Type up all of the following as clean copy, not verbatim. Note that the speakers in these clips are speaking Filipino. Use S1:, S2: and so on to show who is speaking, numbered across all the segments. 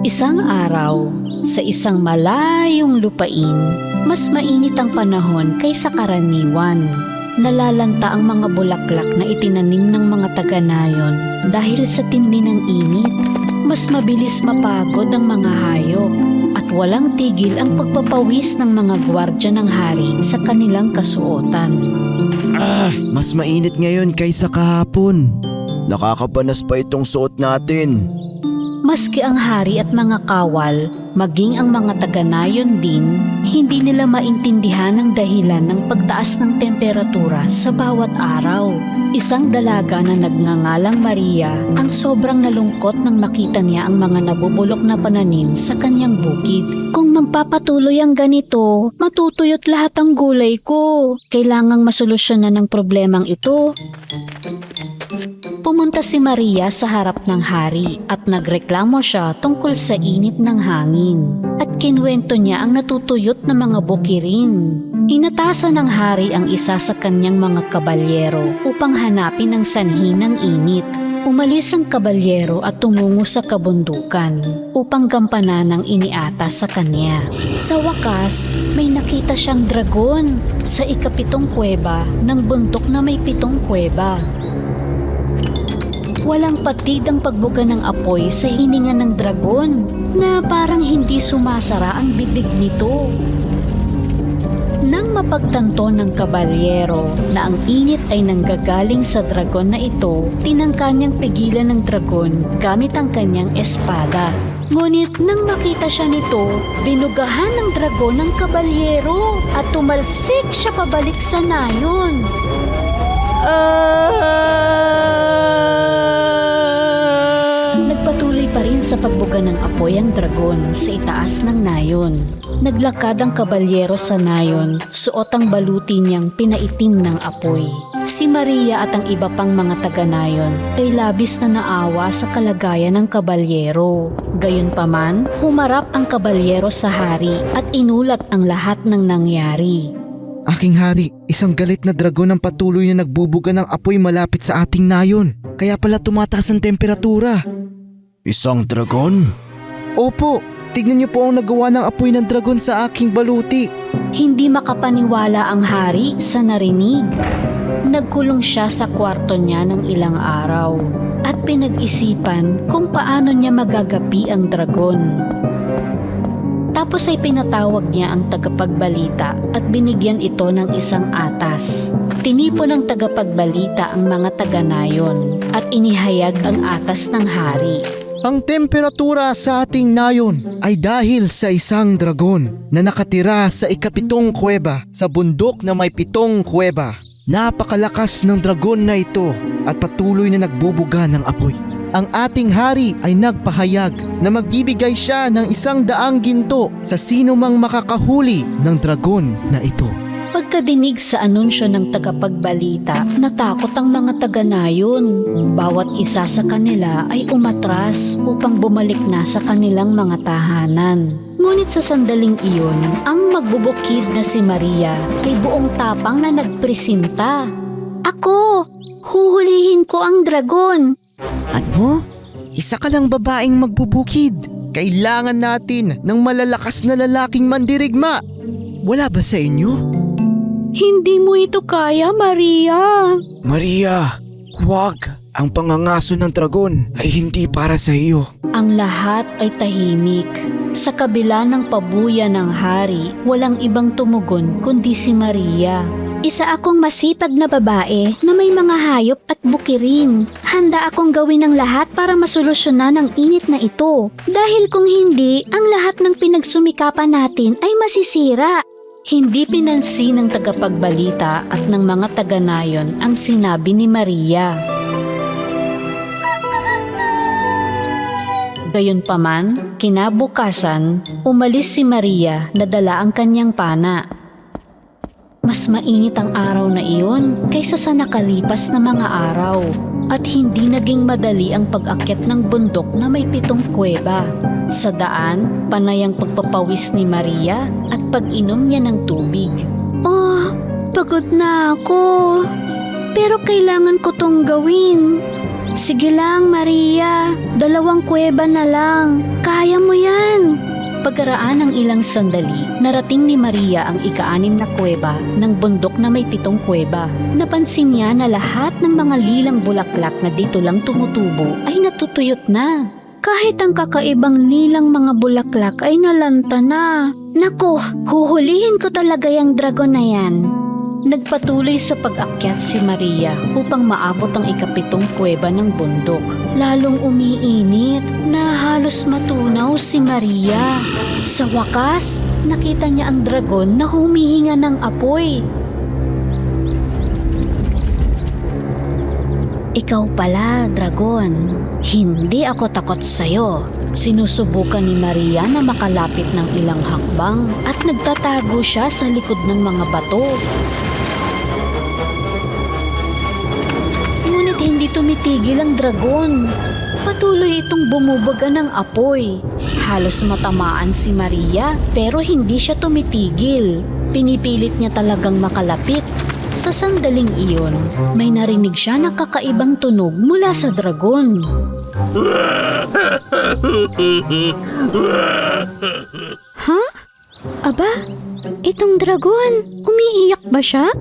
S1: Isang araw, sa isang malayong lupain, mas mainit ang panahon kaysa karaniwan. Nalalanta ang mga bulaklak na itinanim ng mga taga-nayon dahil sa tindi ng init. Mas mabilis mapagod ang mga hayop at walang tigil ang pagpapawis ng mga gwardya ng hari sa kanilang kasuotan.
S2: Mas mainit ngayon kaysa kahapon. Nakakabanas pa itong suot natin.
S1: Maski ang hari at mga kawal, maging ang mga taga-nayon din, hindi nila maintindihan ang dahilan ng pagtaas ng temperatura sa bawat araw. Isang dalaga na nagngangalang Maria ang sobrang nalungkot nang makita niya ang mga nabubulok na pananim sa kanyang bukid. Kung magpapatuloy ang ganito, matutuyot lahat ang gulay ko. Kailangang masolusyonan ng problemang ito. Pumunta si Maria sa harap ng hari at nagreklamo siya tungkol sa init ng hangin at kinwento niya ang natutuyot na mga bukirin. Inatasan ng hari ang isa sa kanyang mga kabalyero upang hanapin ang sanhi ng init. Umalis ang kabalyero at tumungo sa kabundukan upang gampanan ang iniatas sa kanya. Sa wakas, may nakita siyang dragon sa ikapitong kuweba ng bundok na may 7 kuweba. Walang patid ang pagbuga ng apoy sa hininga ng dragon na parang hindi sumasara ang bibig nito. Nang mapagtanto ng kabalyero na ang init ay nanggagaling sa dragon na ito, tinangka niyang pigilan ng dragon gamit ang kanyang espada. Ngunit nang makita siya nito, binugahan ng dragon ang kabalyero at tumalsik siya pabalik sa nayon. Nagpatuloy pa rin sa pagbuga ng apoy ang dragon sa itaas ng nayon. Naglakad ang kabalyero sa nayon, suot ang baluti niyang pinaitim ng apoy. Si Maria at ang iba pang mga taga-nayon ay labis na naawa sa kalagayan ng kabalyero. Gayunpaman, humarap ang kabalyero sa hari at inulat ang lahat ng nangyari.
S2: Aking hari, isang galit na dragon ang patuloy na nagbubuga ng apoy malapit sa ating nayon. Kaya pala tumataas ang temperatura. Isang dragon? Opo, tignan niyo po ang nagawa ng apoy ng dragon sa aking baluti.
S1: Hindi makapaniwala ang hari sa narinig. Nagkulong siya sa kwarto niya ng ilang araw at pinag-isipan kung paano niya magagapi ang dragon. Tapos ay pinatawag niya ang tagapagbalita at binigyan ito ng isang atas. Tinipon ng tagapagbalita ang mga taga-nayon at inihayag ang atas ng hari.
S2: Ang temperatura sa ating nayon ay dahil sa isang dragon na nakatira sa ikapitong kuweba sa bundok na may 7 kuweba. Napakalakas ng dragon na ito at patuloy na nagbubuga ng apoy. Ang ating hari ay nagpahayag na magbibigay siya ng 100 ginto sa sino mang makakahuli ng dragon na ito.
S1: Pagkadinig sa anunsyo ng tagapagbalita, natakot ang mga taga-nayon. Bawat isa sa kanila ay umatras upang bumalik na sa kanilang mga tahanan. Ngunit sa sandaling iyon, ang magbubukid na si Maria ay buong tapang na nagpresinta. Ako! Huhulihin ko ang dragon!
S2: Ano? Isa ka lang babaeng magbubukid. Kailangan natin ng malalakas na lalaking mandirigma. Wala ba sa inyo?
S1: Hindi mo ito kaya, Maria!
S2: Maria, huwag! Ang pangangaso ng dragon ay hindi para sa iyo.
S1: Ang lahat ay tahimik. Sa kabila ng pabuya ng hari, walang ibang tumugon kundi si Maria. Isa akong masipag na babae na may mga hayop at bukirin. Handa akong gawin ang lahat para masolusyonan ang init na ito. Dahil kung hindi, ang lahat ng pinagsumikapan natin ay masisira. Hindi pinansin ng tagapagbalita at ng mga taga-nayon ang sinabi ni Maria. Gayunpaman, kinabukasan, umalis si Maria na dala ang kanyang pana. Mas mainit ang araw na iyon kaysa sa nakalipas na mga araw at hindi naging madali ang pag-akyat ng bundok na may 7 kuweba. Sa daan, panay ang pagpapawis ni Maria at pag-inom niya ng tubig. Pagod na ako. Pero kailangan ko tong gawin. Sige lang, Maria. 2 kuweba na lang. Kaya mo yan. Pagkaraan ng ilang sandali, narating ni Maria ang ika-6 na kuweba ng bundok na may 7 kuweba. Napansin niya na lahat ng mga lilang bulaklak na dito lang tumutubo ay natutuyot na. Kahit ang kakaibang lilang mga bulaklak ay nalanta na. Naku, huhulihin ko talaga yung dragon na yan. Nagpatuloy sa pag-akyat si Maria upang maabot ang ika-7 kuweba ng bundok. Lalong umiinit na halos matunaw si Maria. Sa wakas, nakita niya ang dragon na humihinga ng apoy. Ikaw pala, dragon. Hindi ako takot sa'yo. Sinusubukan ni Maria na makalapit ng ilang hakbang at nagtatago siya sa likod ng mga bato. Ngunit hindi tumitigil ang dragon. Patuloy itong bumubaga ng apoy. Halos matamaan si Maria pero hindi siya tumitigil. Pinipilit niya talagang makalapit. Sa sandaling iyon, may narinig siya na kakaibang tunog mula sa dragon. Ha? Aba, itong dragon, umiiyak ba siya?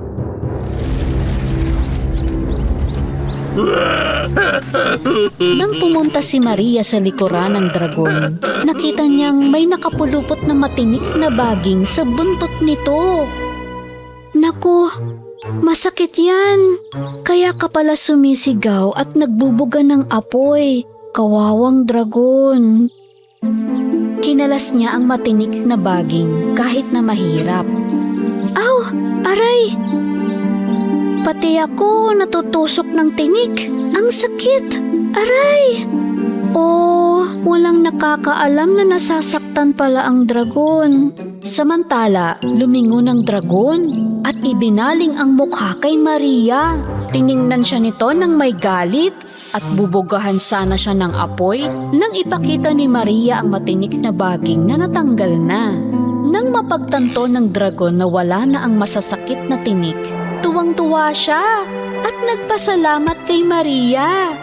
S1: Nang pumunta si Maria sa likuran ng dragon, nakita niyang may nakapulupot na matinik na baging sa buntot nito. Naku, masakit yan. Kaya ka pala sumisigaw at nagbubuga ng apoy. Kawawang dragon. Kinalas niya ang matinik na baging kahit na mahirap. Aw! Aray! Pati ako natutusok ng tinik. Ang sakit! Aray! Oh, walang nakakaalam na nasasaktan pala ang dragon. Samantala, lumingon ang dragon at ibinaling ang mukha kay Maria. Tiningnan siya nito nang may galit at bubugahan sana siya ng apoy nang ipakita ni Maria ang matinik na baging na natanggal na. Nang mapagtanto ng dragon na wala na ang masasakit na tinik, tuwang-tuwa siya at nagpasalamat kay Maria.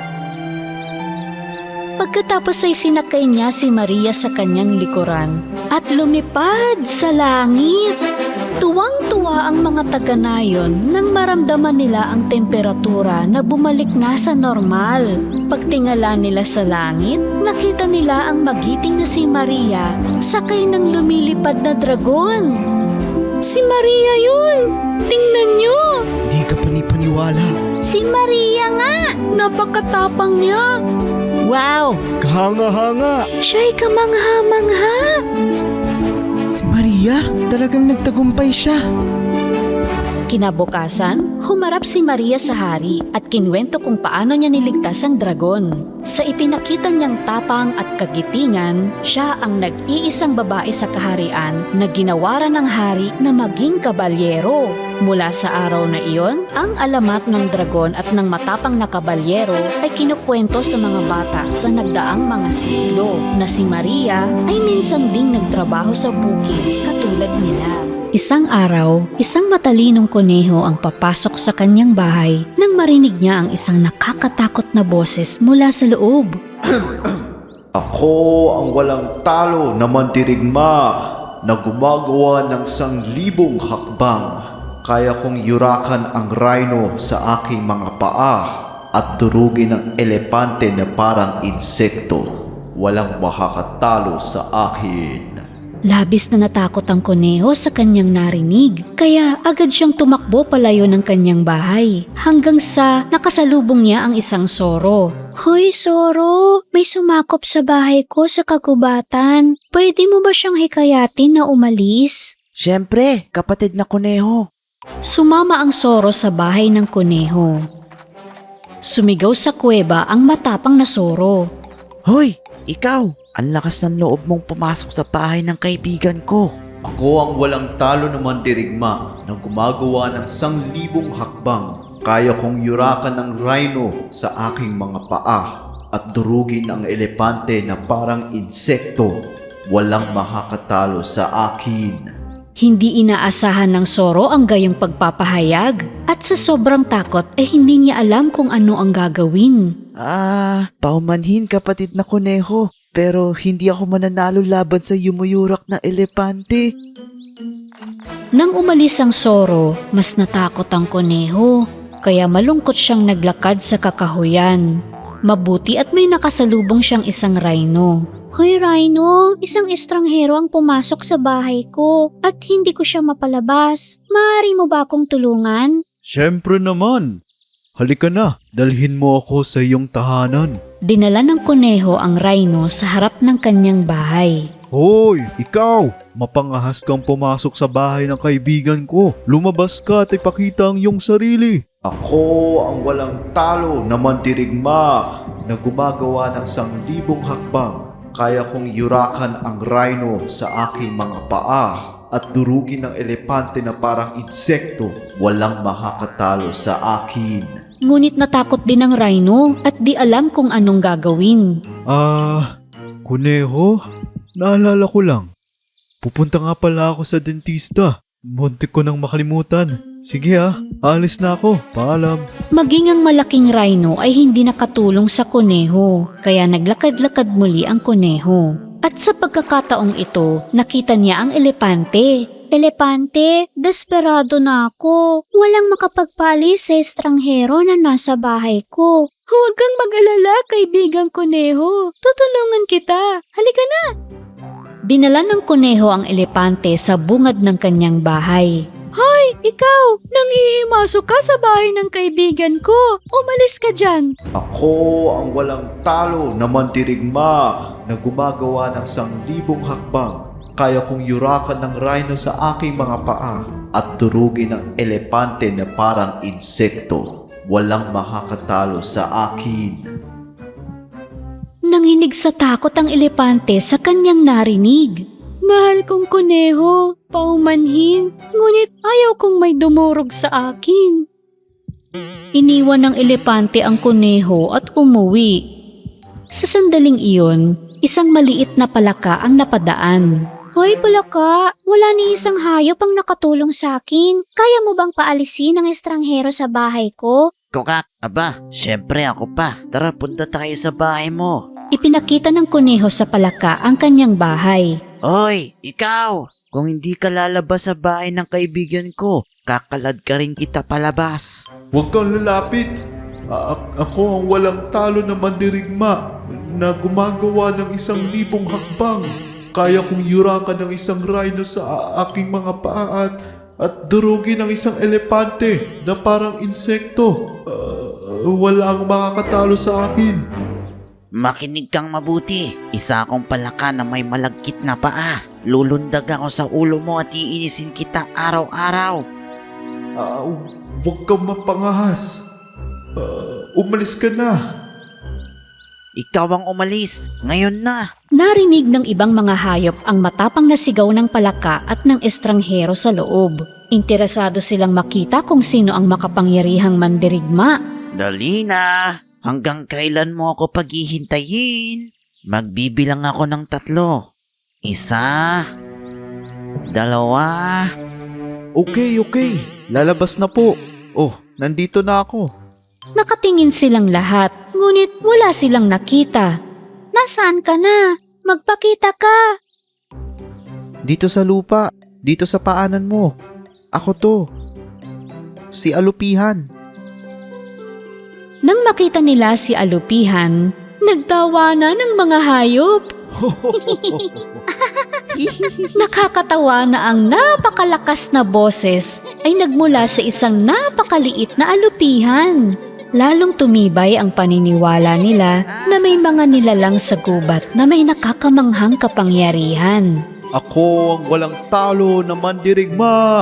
S1: Pagkatapos ay sinakay niya si Maria sa kanyang likuran at lumipad sa langit. Tuwang-tuwa ang mga taga-nayon nang maramdaman nila ang temperatura na bumalik na sa normal. Pagtingala nila sa langit, nakita nila ang magiting na si Maria sakay ng lumilipad na dragon. Si Maria yun! Tingnan niyo!
S2: Di ka panipaniwala.
S1: Si Maria nga! Napakatapang niya!
S2: Wow! Kahanga-hanga!
S1: Siya'y kamangha-mangha!
S2: Si Maria, talagang nagtagumpay siya.
S1: Kinabukasan, humarap si Maria sa hari at kinwento kung paano niya niligtas ang dragon. Sa ipinakita niyang tapang at kagitingan, siya ang nag-iisang babae sa kaharian na ginawaran ng hari na maging kabalyero. Mula sa araw na iyon, ang alamat ng dragon at ng matapang na kabalyero ay kinukwento sa mga bata sa nagdaang mga siglo na si Maria ay minsan ding nagtrabaho sa bukid katulad nila. Isang araw, isang matalinong kuneho ang papasok sa kanyang bahay nang marinig niya ang isang nakakatakot na boses mula sa loob.
S3: Ako ang walang talo na mandirigma na gumagawa ng 1,000 hakbang. Kaya kong yurakan ang rhino sa aking mga paa at durugin ang elepante na parang insekto. Walang makakatalo sa akin.
S1: Labis na natakot ang kuneho sa kanyang narinig, kaya agad siyang tumakbo palayo ng kanyang bahay hanggang sa nakasalubong niya ang isang soro. Hoy soro, may sumakop sa bahay ko sa kagubatan. Pwede mo ba siyang hikayatin na umalis?
S4: Siyempre, kapatid na kuneho.
S1: Sumama ang soro sa bahay ng kuneho. Sumigaw sa kuweba ang matapang na soro.
S4: Hoy, ikaw! Ang lakas ng loob mong pumasok sa bahay ng kaibigan ko.
S3: Ako ang walang talo na mandirigma na gumagawa ng 1,000 hakbang. Kaya kong yurakan ng rhino sa aking mga paa at durugin ang elepante na parang insekto. Walang makakatalo sa akin.
S1: Hindi inaasahan ng soro ang gayong pagpapahayag at sa sobrang takot ay hindi niya alam kung ano ang gagawin.
S4: Paumanhin kapatid na kuneho. Pero hindi ako mananalo laban sa yumuyurak na elepante.
S1: Nang umalis ang Soro, mas natakot ang kuneho. Kaya malungkot siyang naglakad sa kakahuyan. Mabuti at may nakasalubong siyang isang rhino. Hoy Rhino, isang estranghero ang pumasok sa bahay ko at hindi ko siya mapalabas. Maaari mo ba akong tulungan?
S3: Siyempre naman. Halika na, dalhin mo ako sa iyong tahanan.
S1: Dinala ng kuneho ang rhino sa harap ng kanyang bahay.
S3: Hoy, ikaw! Mapangahas kang pumasok sa bahay ng kaibigan ko. Lumabas ka at ipakita ang iyong sarili. Ako ang walang talo na mandirigma na gumagawa ng 1,000 hakbang. Kaya kong yurakan ang rhino sa aking mga paa at durugin ng elepante na parang insekto. Walang makakatalo sa akin.
S1: Ngunit natakot din ang rhino at di alam kung anong gagawin.
S3: Kuneho? Naalala ko lang. Pupunta nga pala ako sa dentista. Muntik ko nang makalimutan. Sige alis na ako. Paalam.
S1: Maging ang malaking rhino ay hindi nakatulong sa kuneho, kaya naglakad-lakad muli ang kuneho. At sa pagkakataong ito, nakita niya ang elepante. Elepante, desperado na ako. Walang makapagpalis sa estranghero na nasa bahay ko. Huwag kang mag-alala, kaibigang kuneho. Tutulungan kita. Halika na! Dinala ng kuneho ang elepante sa bungad ng kanyang bahay. Hoy, ikaw! Nanghihimasok ka sa bahay ng kaibigan ko. Umalis ka dyan.
S3: Ako ang walang talo na mandirigma na gumagawa ng 1,000 hakbang. Kaya kong yurakan ng rhino sa aking mga paa at durugin ng elepante na parang insekto. Walang makakatalo sa akin.
S1: Nanginig sa takot ang elepante sa kanyang narinig. Mahal kong kuneho, paumanhin, ngunit ayaw kong may dumurog sa akin. Iniwan ng elepante ang kuneho at umuwi. Sa sandaling iyon, isang maliit na palaka ang napadaan. Hoy palaka, wala ni isang hayop ang nakatulong sa akin. Kaya mo bang paalisin ang estranghero sa bahay ko?
S4: Kokak, syempre ako pa. Tara, punta tayo sa bahay mo.
S1: Ipinakita ng kuneho sa palaka ang kanyang bahay.
S4: Hoy, ikaw! Kung hindi ka lalabas sa bahay ng kaibigan ko, kakalad ka rin kita palabas.
S3: Huwag kang lalapit. Ako ang walang talo na mandirigma na gumagawa ng 1,000 hakbang. Kaya kong yurakan ng isang rhino sa aking mga paa at durugin ng isang elepante na parang insekto. Walang makakatalo sa akin.
S4: Makinig kang mabuti. Isa akong palaka na may malagkit na paa. Lulundag ako sa ulo mo at iinisin kita araw-araw.
S3: Huwag kang mapangahas. Umalis ka na.
S4: Ikaw ang umalis. Ngayon na.
S1: Narinig ng ibang mga hayop ang matapang na sigaw ng palaka at ng estranghero sa loob. Interesado silang makita kung sino ang makapangyarihang mandirigma.
S4: Dali na. Hanggang kailan mo ako paghihintayin? Magbibilang ako ng 3. 1, 2.
S3: Okay. Lalabas na po. Nandito na ako.
S1: Nakatingin silang lahat, ngunit wala silang nakita. Nasaan ka na? Magpakita ka!
S2: Dito sa lupa, dito sa paanan mo. Ako to. Si Alupihan.
S1: Nang makita nila si Alupihan, nagtawanan ng mga hayop. Nakakatawa na ang napakalakas na boses ay nagmula sa isang napakaliit na alupihan. Lalong tumibay ang paniniwala nila na may mga nilalang sa gubat na may nakakamanghang kapangyarihan.
S3: Ako ang walang talo na mandirigma.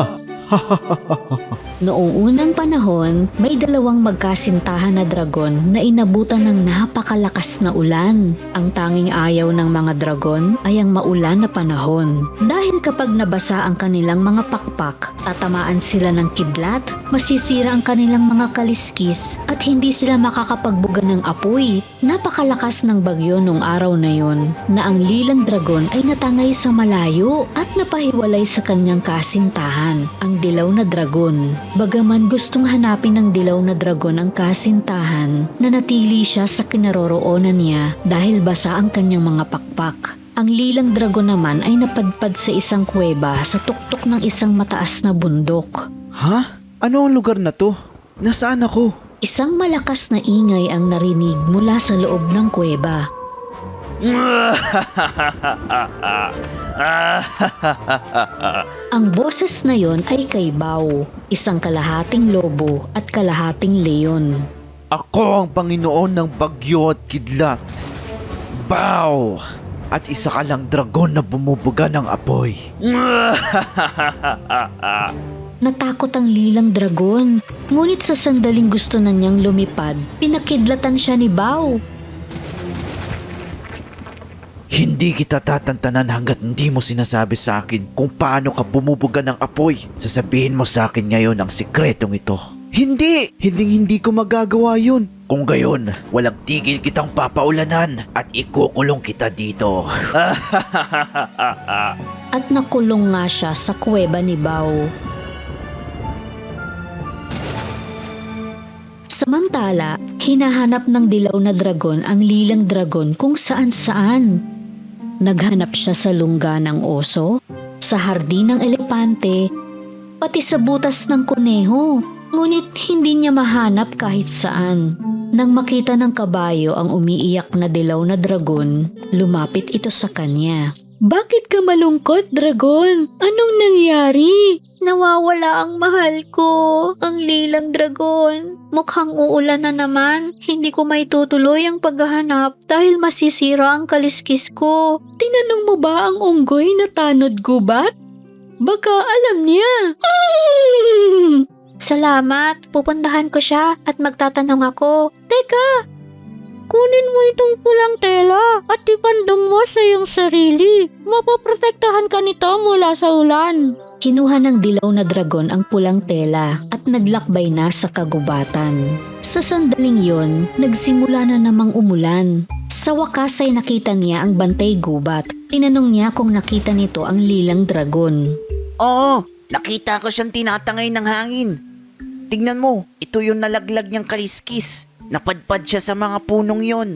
S1: Noong unang panahon, may 2 magkasintahan na dragon na inabutan ng napakalakas na ulan. Ang tanging ayaw ng mga dragon ay ang maulan na panahon. Dahil kapag nabasa ang kanilang mga pakpak, tatamaan sila ng kidlat, masisira ang kanilang mga kaliskis at hindi sila makakapagbuga ng apoy. Napakalakas ng bagyo nung araw na yon na ang lilang dragon ay natangay sa malayo at napahiwalay sa kanyang kasintahan. Ang ang dilaw na dragon. Bagaman gustong hanapin ng dilaw na dragon ang kasintahan, nanatili siya sa kinaroroonan niya dahil basa ang kanyang mga pakpak. Ang lilang dragon naman ay napadpad sa isang kuweba sa tuktok ng isang mataas na bundok.
S3: Ha? Ano ang lugar na to? Nasaan ako?
S1: Isang malakas na ingay ang narinig mula sa loob ng kuweba. Ang boses na yon ay kay Bao, isang kalahating lobo at kalahating leon.
S3: Ako ang Panginoon ng bagyo at kidlat. Bow! At isa ka lang dragon na bumubuga ng apoy.
S1: Natakot ang lilang dragon, ngunit sa sandaling gusto na niyang lumipad, pinakidlatan siya ni Bao.
S3: Hindi kita tatantanan hanggat hindi mo sinasabi sa akin kung paano ka bumubuga ng apoy. Sasabihin mo sa akin ngayon ang sikretong ito. Hindi! Hindi ko magagawa yun. Kung gayon, walang tigil kitang papaulanan at ikukulong kita dito.
S1: At nakulong nga siya sa kuweba ni Bao. Samantala, hinahanap ng dilaw na dragon ang lilang dragon kung saan-saan. Naghanap siya sa lungga ng oso, sa hardin ng elepante, pati sa butas ng kuneho. Ngunit hindi niya mahanap kahit saan. Nang makita ng kabayo ang umiiyak na dilaw na dragon, lumapit ito sa kanya. Bakit ka malungkot, dragon? Anong nangyari? Nawawala ang mahal ko, ang lilang dragon. Mukhang uulan na naman. Hindi ko maitutuloy ang paghahanap dahil masisira ang kaliskis ko. Tinanong mo ba ang unggoy na tanod gubat? Baka alam niya. Salamat, pupuntahan ko siya at magtatanong ako. Teka, kunin mo itong pulang tela at ipandong mo sa iyong sarili. Mapoprotektahan ka nito mula sa ulan. Kinuha ng dilaw na dragon ang pulang tela at naglakbay na sa kagubatan. Sa sandaling yon, nagsimula na namang umulan. Sa wakas ay nakita niya ang bantay gubat. Tinanong niya kung nakita nito ang lilang dragon.
S4: Oo, nakita ko siyang tinatangay ng hangin. Tignan mo, ito yung nalaglag niyang kaliskis. Napadpad siya sa mga punong yon.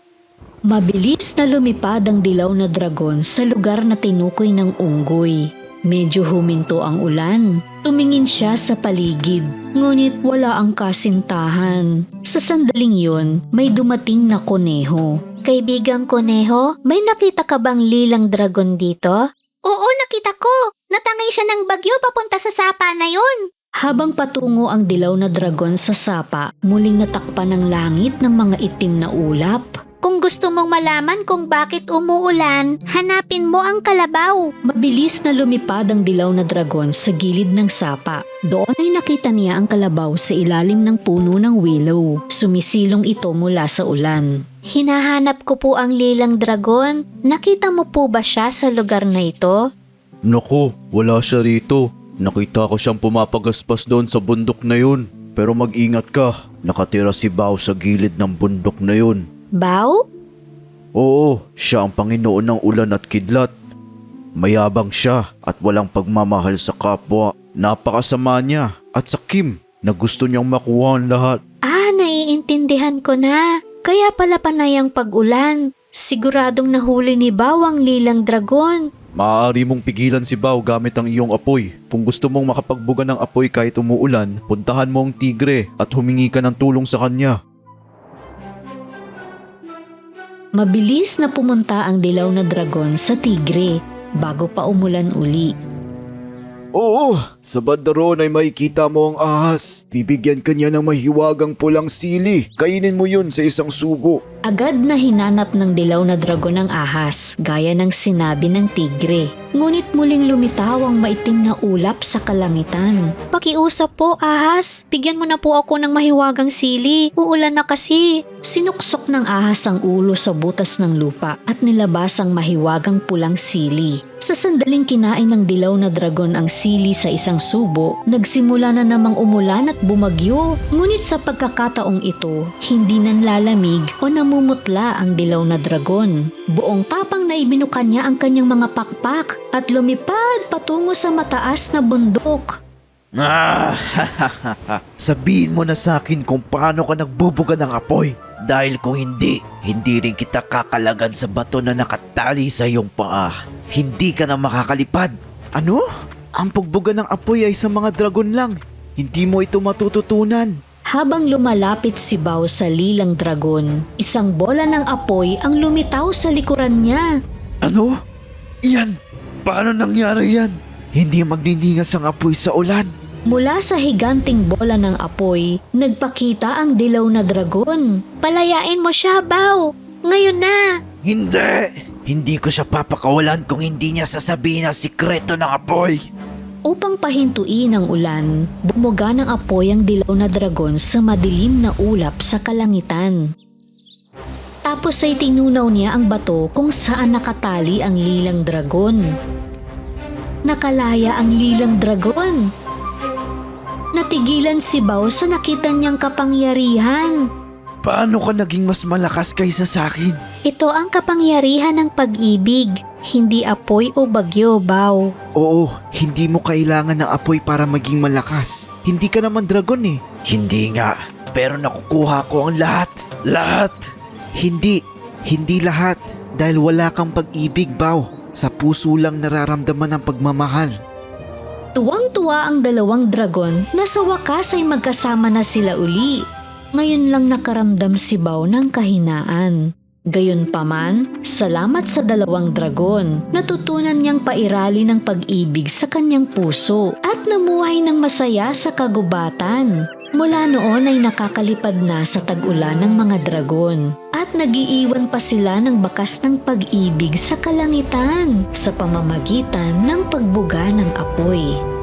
S1: Mabilis na lumipad ang dilaw na dragon sa lugar na tinukoy ng unggoy. Medyo huminto ang ulan. Tumingin siya sa paligid, ngunit wala ang kasintahan. Sa sandaling yon, may dumating na kuneho. Kaibigang kuneho, may nakita ka bang lilang dragon dito?
S5: Oo, nakita ko. Natangay siya ng bagyo papunta sa sapa na yon.
S1: Habang patungo ang dilaw na dragon sa sapa, muling natakpan ng langit ng mga itim na ulap.
S5: Kung gusto mong malaman kung bakit umuulan, hanapin mo ang kalabaw.
S1: Mabilis na lumipad ang dilaw na dragon sa gilid ng sapa. Doon ay nakita niya ang kalabaw sa ilalim ng puno ng willow. Sumisilong ito mula sa ulan.
S5: Hinahanap ko po ang lilang dragon. Nakita mo po ba siya sa lugar na ito?
S3: Naku, wala siya rito. Nakita ko siyang pumapagaspas doon sa bundok na yun. Pero mag-ingat ka, nakatira si Bao sa gilid ng bundok na yun.
S5: Bao?
S3: Oo, siya ang Panginoon ng ulan at kidlat. Mayabang siya at walang pagmamahal sa kapwa. Napakasama niya at sakim na gusto niyang makuha ang lahat.
S5: Naiintindihan ko na. Kaya pala panay ang pag-ulan. Siguradong nahuli ni Bao ang lilang dragon.
S3: Maaari mong pigilan si Bao gamit ang iyong apoy. Kung gusto mong makapagbuga ng apoy kahit umuulan, puntahan mo ang tigre at humingi ka ng tulong sa kanya.
S1: Mabilis na pumunta ang dilaw na dragon sa tigre bago pa umulan uli.
S3: Oo, sa banda roon ay makikita mo ang ahas. Bibigyan ka niya ng mahiwagang pulang sili. Kainin mo yun sa isang sugo.
S1: Agad na hinanap ng dilaw na dragon ang ahas, gaya ng sinabi ng tigre. Ngunit muling lumitaw ang maitim na ulap sa kalangitan.
S5: Pakiusap po, ahas. Bigyan mo na po ako ng mahiwagang sili. Uulan na kasi.
S1: Sinuksok ng ahas ang ulo sa butas ng lupa at nilabas ang mahiwagang pulang sili. Sa sandaling kinain ng dilaw na dragon ang sili sa isang subo, nagsimula na namang umulan at bumagyo. Ngunit sa pagkakataong ito, hindi nanlalamig o namumutla ang dilaw na dragon. Buong tapang na ibinukan niya ang kanyang mga pakpak at lumipad patungo sa mataas na bundok.
S3: Sabihin mo na sa akin kung paano ka nagbubuga ng apoy. Dahil kung hindi, hindi rin kita kakalagan sa bato na nakatali sa iyong paa. Hindi ka na makakalipad. Ano? Ang pagbuga ng apoy ay sa mga dragon lang. Hindi mo ito matututunan.
S1: Habang lumalapit si Bao sa lilang dragon, isang bola ng apoy ang lumitaw sa likuran niya.
S3: Ano? Iyan! Paano nangyari yan? Hindi magniningas ang apoy sa ulan.
S1: Mula sa higanting bola ng apoy, nagpakita ang dilaw na dragon.
S5: Palayain mo siya, Bao. Ngayon na.
S3: Hindi! Hindi ko siya papakawalan kung hindi niya sasabihin ang sikreto ng apoy.
S1: Upang pahintuin ang ulan, bumuga ng apoy ang dilaw na dragon sa madilim na ulap sa kalangitan. Tapos ay tinunaw niya ang bato kung saan nakatali ang lilang dragon. Nakalaya ang lilang dragon. Natigilan si Bao sa nakita niyang kapangyarihan.
S3: Paano ka naging mas malakas kaysa sa akin?
S5: Ito ang kapangyarihan ng pag-ibig, hindi apoy o bagyo, Bao.
S2: Oo, hindi mo kailangan ng apoy para maging malakas. Hindi ka naman dragon eh.
S3: Hindi nga, pero nakukuha ko ang lahat. Lahat!
S2: Hindi lahat. Dahil wala kang pag-ibig, Bao. Sa puso lang nararamdaman ang pagmamahal.
S1: Tuwang-tuwa ang dalawang dragon na sa wakas ay magkasama na sila uli. Ngayon lang nakaramdam si Bao ng kahinaan. Gayunpaman, salamat sa dalawang dragon. Natutunan niyang pairali ng pag-ibig sa kanyang puso at namuhay ng masaya sa kagubatan. Mula noon ay nakakalipad na sa tag-ulan ng mga dragon at nagiiwan pa sila ng bakas ng pag-ibig sa kalangitan sa pamamagitan ng pagbuga ng apoy.